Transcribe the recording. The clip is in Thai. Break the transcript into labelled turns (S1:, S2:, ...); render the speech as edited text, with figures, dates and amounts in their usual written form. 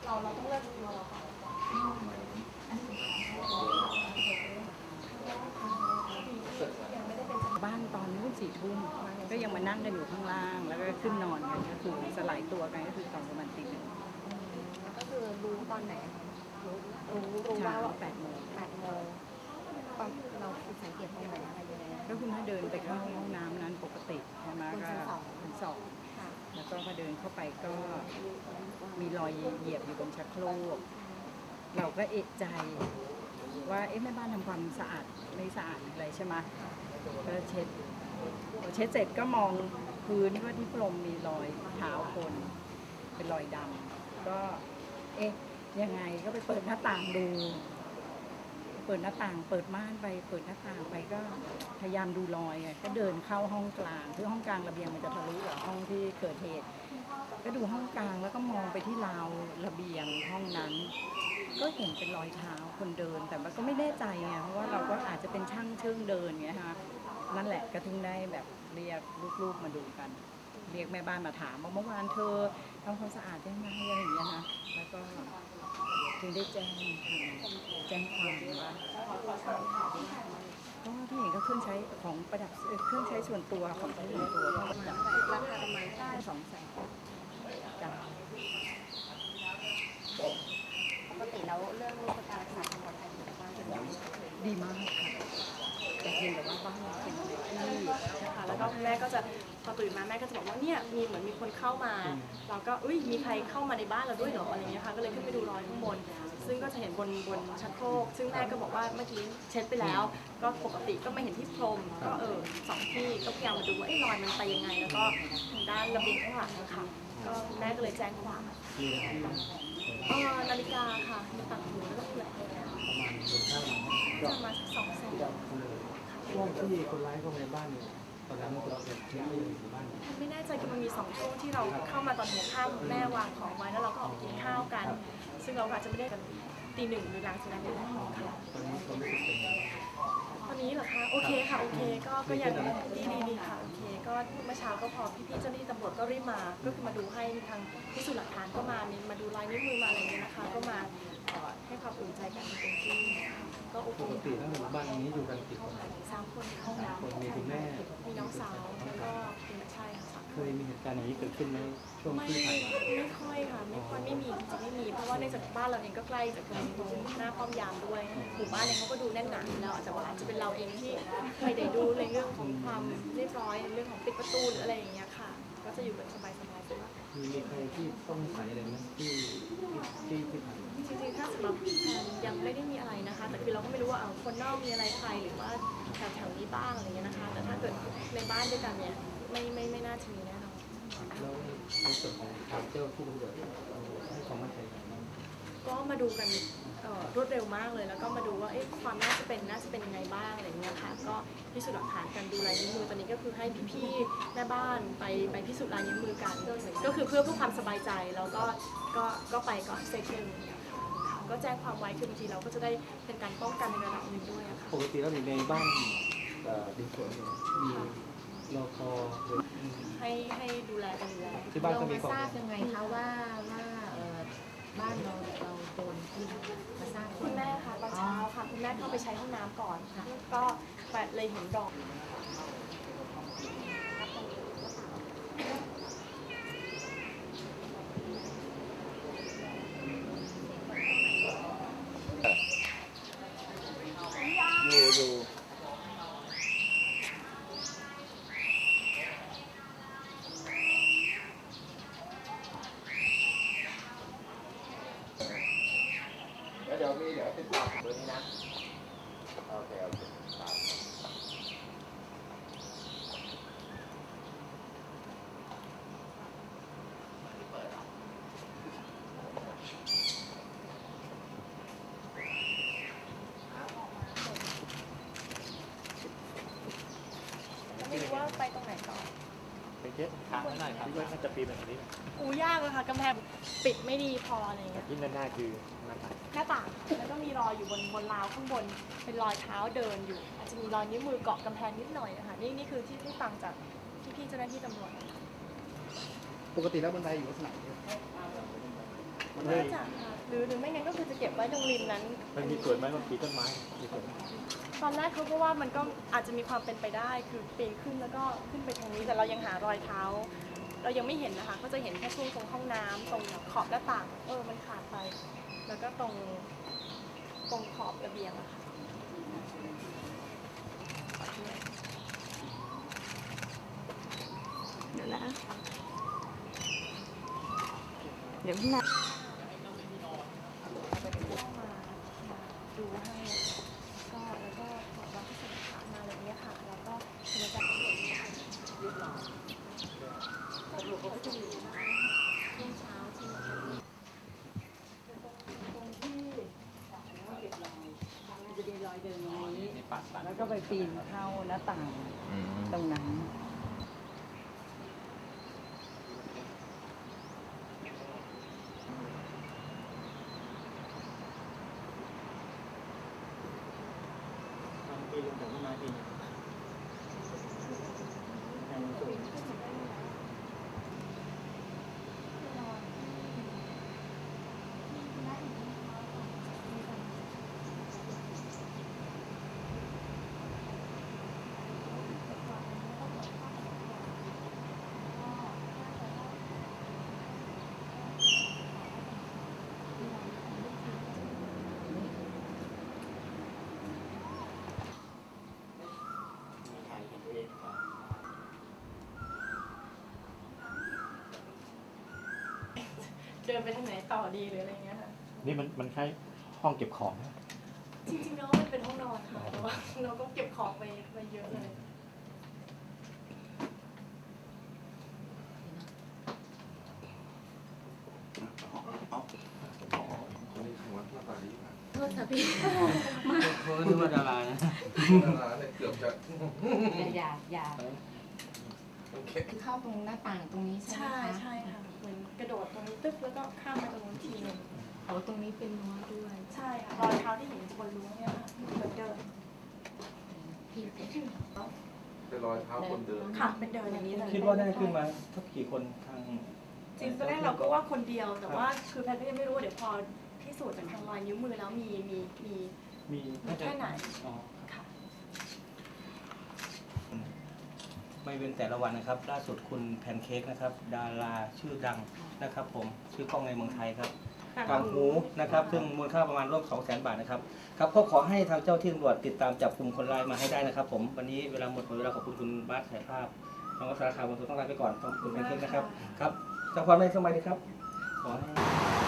S1: เราต้องเลือกเรา
S2: บ้านตอนนู้น4 ทุ่มก็ยังมานั่งกันอยู่ข้างล่างแล้วก็ขึ้นนอนกันก็คือสลายตัวกันก็คือตอนประมาณตี 1
S1: ก็คือรู้ตอนไหนรู้ว่า
S2: 8 โมง
S1: ตอนเราสังเกตตรงไหนอะไรยังไง
S2: ก็คุณแม่เดินไปเข้าห้องน้ำนั้นปกติใช่ไหมก็ชั้น 2แล้วก็พอเดินเข้าไปก็มีรอยเหยียบอยู่บนชักโครกเราก็เอะใจว่าแม่บ้านทำความสะอาดไม่สะอาดอะไรใช่ไหมก็เช็ดเสร็จก็มองพื้นว่าที่พรมมีรอยเท้าคนเป็นรอยดำก็ยังไงก็ไปเปิดหน้าต่างดูเปิดหน้าต่างเปิดม่านไปเปิดหน้าต่างไปก็พยายามดูรอยก็เดินเข้าห้องกลางคือห้องกลางระเบียงมันจะทะลุกับห้องที่เกิดเหตุก็ดูห้องกลางแล้วก็มองไปที่ราวระเบียงห้องนั้นก็เห็นเป็นรอยเท้าคนเดินแต่มันก็ไม่แน่ใจไงเพราะว่าเราก็อาจจะเป็นช่างเชิงเดินไงฮะนั่นแหละก็ถึงได้แบบเรียกลูกๆมาดูกันเรียกแม่บ้านมาถามว่าเมื่อวานเธอทำความสะอาดยังไงอะไรอย่างเงี้ยนะแล้วก็ถึงได้แจ้งความว่าก็ที่เห็นก็เครื่องใช้ของประดับเครื่องใช้ส่วนตัวของใช้ส่วนตัวก็ประดับ
S1: ราคาประมาณ
S2: 200,000จ้ะ
S1: ปกติแล้วเรื่องการรักษาความปลอดภัยของบ้านเป็นยังไง
S2: ดีมากค่ะแต่เพียงแต่ว่าบ้านเราเป็นอะไรที่
S3: นะคะแล้วก็แม่ก็จะพอตื่นมาแม่ก็จะบอกว่าเนี่ยเหมือนมีคนเข้ามาเราก็มีใครเข้ามาในบ้านเราด้วยเหรออะไรเงี้ยค่ะก็เลยขึ้นไปดูรอยข้างบนซึ่งก็จะเห็นบนชักโครกซึ่งแม่ก็บอกว่าเมื่อกี้เช็ดไปแล้วก็ปกติก็ไม่เห็นที่พรมก็2 ที่ก็พยายามมาดูว่ารอยมันไปยังไงแล้วก็ทางด้านระเบียงข้างหลังนะคะก็แม่ก็เลยแจ้งความนาฬิกาค่ะมีต่างหูแล้วก็เปลือกจะมา200,000
S4: ช่วงที่คนร้ายเข้ามาในบ้านเนี่ยตอนนั้นเราเช็คอยู่ในบ้าน
S3: ไม่แน่ใจคือมันมี2 ช่วงที่เราเข้ามาตอนหัวค่ำแม่วางของไว้แล้วเราก็ออกกินข้าวกันซึ่งเราอาจจะไม่ได้กันตี 1หรือหลังจากนั้นค่ะ
S4: ตอนนี้เขาไม่ติดเป็น
S3: ตอนนี้เหรอคะโอเคค่ะโอเคก็ยังดีค่ะโอเคก็เมื่อเช้าก็พอพี่ๆเจ้าหน้าที่ตำรวจก็รีบมาก็คือมาดูให้ทางพิสูจน์หลักฐานก็มาดูลายนิ้วมือมาอะไรอย่างเงี้ยนะคะก็มาให้ความอุ่นใจกันเต็มที่ก็โอเค
S4: ปกติแล้วบ้านนี้อยู่กันกี่คน
S3: 3 คน
S4: 3 คนมีคุณแม่
S3: มีน้องสาวแล้วก็ใช่ค่ะ
S4: เคยมีเหตุการณ์อย่างนี้เกิดขึ้นในช่วงที่ผ่านมา
S3: ไม่ค่อยค่ะไม่มีจริงไม่มีเพราะว่าในจากบ้านเราเองก็ใกล้จากตรงหน้าป้อมยามด้วยหมู่บ้านเองเขาก็ดูแน่นหนาแล้วอาจจะเป็นเราเองที่ไม่ได้ดูในเรื่องของความเรียบร้อยในเรื่องของปิดประตูหรืออะไรอย่างเงี้ยค่ะก็จะอยู่แบบสบายๆใช่ไหม
S4: มีใครที่ต้องใส่อะไรไหมที่ผ่าน
S3: จริงๆถ้าสำหรับยังไม่ได้มีอะไรนะคะแต่คือเราก็ไม่รู้ว่าคนนอกมีอะไรใครหรือว่าแถวๆนี้บ้างอะไรเงี้ยนะคะแต่ถ้าเกิดในบ้านด้วยกันเนี่ยไม่น่าจะมีแน่นอน
S4: แล้วในส่วนของทางเจ้าที่ตำรวจให้ความมั่นใจ
S3: ก็มาดูกันรวดเร็วมากเลยแล้วก็มาดูว่าความน่าจะเป็นยังไงบ้างอะไรเงี้ยค่ะก็พิสูจน์หลักฐานกันดูลายนิ้วมือตอนนี้ก็คือให้พี่ๆแม่บ้านไปพิสูจน์ลายนิ้วมือกันก็คือเพื่อความสบายใจแล้วก็ไปก่อนเซฟนึงก็แจ้งความไว้คือบางทีเราก็จะได้เป็นการป้องกันในระดับหนึ่งด้วยค่ะ
S4: ปกติแล้วในบ้านดินสวนมีรอคอ
S3: ให้ดูแลกันอยู่แล้ว
S4: ที่บ้านก็มี
S1: ทราบยังไงคะว่าบ้านเราโดนที่มาทราบ
S3: คุณแม่ค่ะตอนเช้าค่ะคุณแม่เข้าไปใช้ห้องน้ำก่อนก็เลยเห็นดอก
S4: อยู่
S5: เดี๋ยวติดต่อเบอร์นี้นะโอเค
S3: ไม่รู้ว่าไปตรงไหนต่อ
S4: ไปเช็คทางหน่อยครับที่ว่าน่าจะปีนแบบนี้
S3: ยากเลยค่ะกำแพงปิดไม่ดีพออะไรเงี้ย
S4: ที่หน้าคือหน้า
S3: ต่างแล้วก็มีรอยอยู่บนราวข้างบนเป็นรอยเท้าเดินอยู่อาจจะมีรอยนิ้วมือเกาะกำแพงนิดหน่อยนะคะนี่คือที่ฟังจากพี่ๆเจ้าหน้าที่ตำรวจ
S4: ปกติแล้วบันไดอยู่ลักษณะ
S3: น่าจะค่ะหรือไม่งั้นก็คือจะเก็บไว้ตรงริมนั้น
S4: มันมีส่วนไหมมันปีนต้นไม้มีส่วนไหม
S3: ตอนแรกเขาก็ว่ามันก็อาจจะมีความเป็นไปได้คือปีนขึ้นแล้วก็ขึ้นไปทางนี้แต่เรายังหารอยเท้า เรายังไม่เห็นนะคะก็จะเห็นแค่ช่วงตรงห้องน้ำตรงขอบหน้าต่างมันขาดไป แล้วก็ตรงขอบระเบียงอะค่ะ
S6: เดี๋ยวนะ เดี๋ยวพี่นะ
S3: เข้ามาดูให้ก็แล้วก็ขอรับที่สถานมาอะไรเงี้ยค่ะแล้วก็บรรยากาศเรียบร้อยก็จะมีช่วงเช้าที่มาตรงที่
S2: จะมีรอยเดินตรงนี้แล้วก็ไปปีนเข้าหน้าต่างตรงนั้น
S4: ปีนลงจากต้นไม้ปีนทางสูง
S3: เดินไปทางไหนต่อดีหรืออะไรเงี้ยค่ะ
S4: นี่มันคล้ายห้องเก็บของนะ
S3: จริงๆแล้วมันเป็นห้องนอนค่ะแต่ว่าเราก็เก็บของไปเยอะเลย
S1: โทษค่ะพี่
S4: เขาคิดว่าดารานะ
S5: เกือบจะ
S1: อย่าเข้าตรงหน้าต่างตรงนี้ใช่ไหม
S3: ใช่
S1: คะ
S3: ค่ะเหมือนกระโดดตรงนี้ตึ๊บแล้วก็ข้ามไปตรงนู้นทีหนึง
S1: อ๋อตรงนี้เป็นรั้วด้วย
S3: ใช่ค่ะรอยเท้าที่เห็นบนรั้วเนี่ยค่ะเหมือนเดิน
S1: พี่
S5: เป็นรอยเท้าคนเดิน
S3: ค่ะเป็นเดินอย่างนี้เลย
S4: คิดว่าได้ขึ้นมาสักกี่คนทาง
S3: จริงตอนแรกเราก็ว่าคนเดียวแต่ว่าคือแพทย์ก็ยังไม่รู้เดี๋ยวพอพิสูจน์จากทางรอยนิ้วมือแล้วมี
S4: มี
S3: แค่ไหน
S4: อ๋อ
S3: ค่ะ
S7: ไม่เว้นแต่ละวันนะครับ ล่าสุดคุณแพนเค้กนะครับ ดาราชื่อดังนะครับ ผมชื่อกล้องในเมืองไทยครับกางหูนะครับ ซึ่งมูลค่าประมาณร่วม 200,000 บาทนะครับครับก็ขอให้ทางเจ้าที่ตำรวจติดตามจับกลุ่มคนร้ายมาให้ได้นะครับ ผมวันนี้เวลาหมดเวลาขอบคุณคุณบาสถ่ายภาพน้องวัชราคาวันตัวต้องลาไปก่อนขอบคุณแพนเค้กนะครับครับจากความในสมัยดีครับขอให้